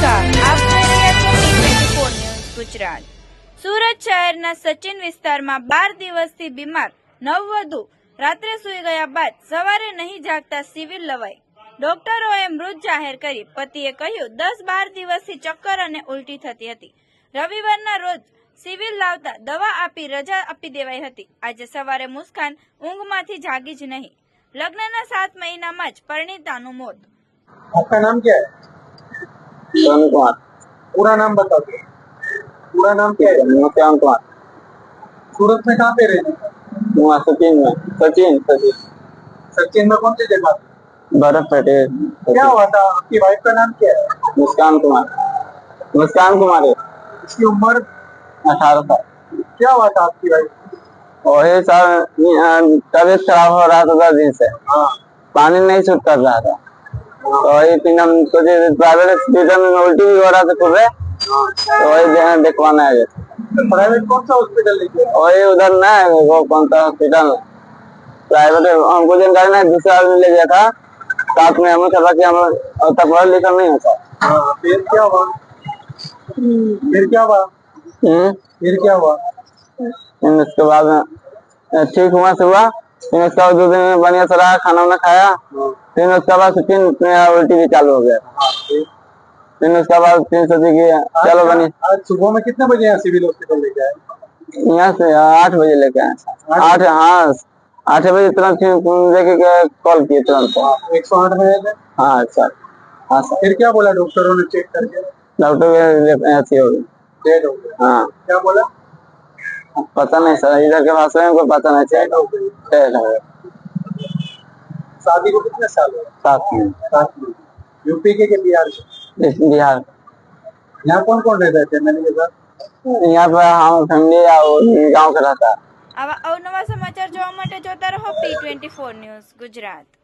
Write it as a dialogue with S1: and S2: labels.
S1: નમસ્કાર, આપ જોઈ રહ્યા છો T24 ન્યૂઝ ગુજરાત। સુરત શહેરના સચિન વિસ્તારમાં 12 દિવસથી બીમાર નવવધુ રાત્રે સૂઈ ગયા બાદ સવારે નહીં જાગતા સિવિલ લવાઈ। ડોક્ટરોએ મૃત જાહેર કરી। પતિએ કહ્યું 10-12 દિવસથી ચક્કર અને ઉલટી થતી હતી। રવિવારના રોજ સિવિલ લાવતા દવા આપી રજા આપી દેવાઈ હતી। આજે સવારે મુસ્કાન ઊંઘમાંથી જાગી જ નહીં। લગ્નના 7 મહિનામાં જ પરિણીતાનું મોત।
S2: आपका नाम क्या है?
S3: सोनू कुमार।
S2: पूरा नाम बता दो। पूरा नाम क्या है?
S3: मुस्कान कुमार।
S2: सूरत में कहाँ पे रहते हैं?
S3: वहाँ सचिन में सचिन सचिन
S2: सचिन में कौन सी जगह पे?
S3: बर्फ पेटे।
S2: क्या हुआ था? आपकी वाइफ का नाम क्या है?
S3: मुस्कान कुमार। मुस्कान कुमार है।
S2: इसकी उम्र
S3: 18 साल।
S2: क्या हुआ था आपकी वाइफ?
S3: वही सर तबीयत खराब हो रहा था 10 दिन से।
S2: हाँ
S3: पानी नहीं सूट कर रहा था, तो वही फिर हम सोचे प्राइवेट हॉस्पिटल में उल्टी भी हो रहा था सुबह, तो वही देखवाना है।
S2: प्राइवेट कौन सा हॉस्पिटल लेके?
S3: वही उधर ना है वो कौन सा हॉस्पिटल प्राइवेट हमको जानकारी नहीं, दूसरा आदमी ले गया था साथ में। हमें खबर कि हम तक पढ़ा लिखा नहीं होता।
S2: हाँ फिर क्या हुआ? फिर क्या हुआ? फिर क्या हुआ?
S3: उसके बाद ठीक हुआ सुबह, फिर उसके बाद 2 दिन में बढ़िया से रहा, खाना वाना खाया। फिर उसके बाद फिर उल्टी भी चालू हो गया। फिर उसके बाद फिर सोचे कि चलो बनी।
S2: आज सुबह में कितने बजे यहाँ सिविल हॉस्पिटल लेके आए?
S3: यहाँ से 8 बजे लेके आए। 8 हाँ 8 बजे तुरंत लेके कॉल किए तुरंत।
S2: 108 में आए थे?
S3: हाँ सर। हाँ सर।
S2: फिर क्या बोला डॉक्टरों ने चेक करके?
S3: डॉक्टर ऐसी हो गई।
S2: डेड हो गया।
S3: हाँ
S2: क्या बोला?
S3: पता नहीं सर, इधर के भाषा में कोई पता नहीं चला।
S2: शादी को कितने साल हुए?
S3: 7 में।
S2: 7 में। यूपी के बिहार के?
S3: बिहार।
S2: यहाँ कौन कौन रहता है फैमिली के साथ?
S3: यहाँ पर हम फैमिली गाँव का रहता है।
S1: આવા અવનવા સમાચાર જોવા માટે જોતા રહો T24 ન્યૂઝ ગુજરાત।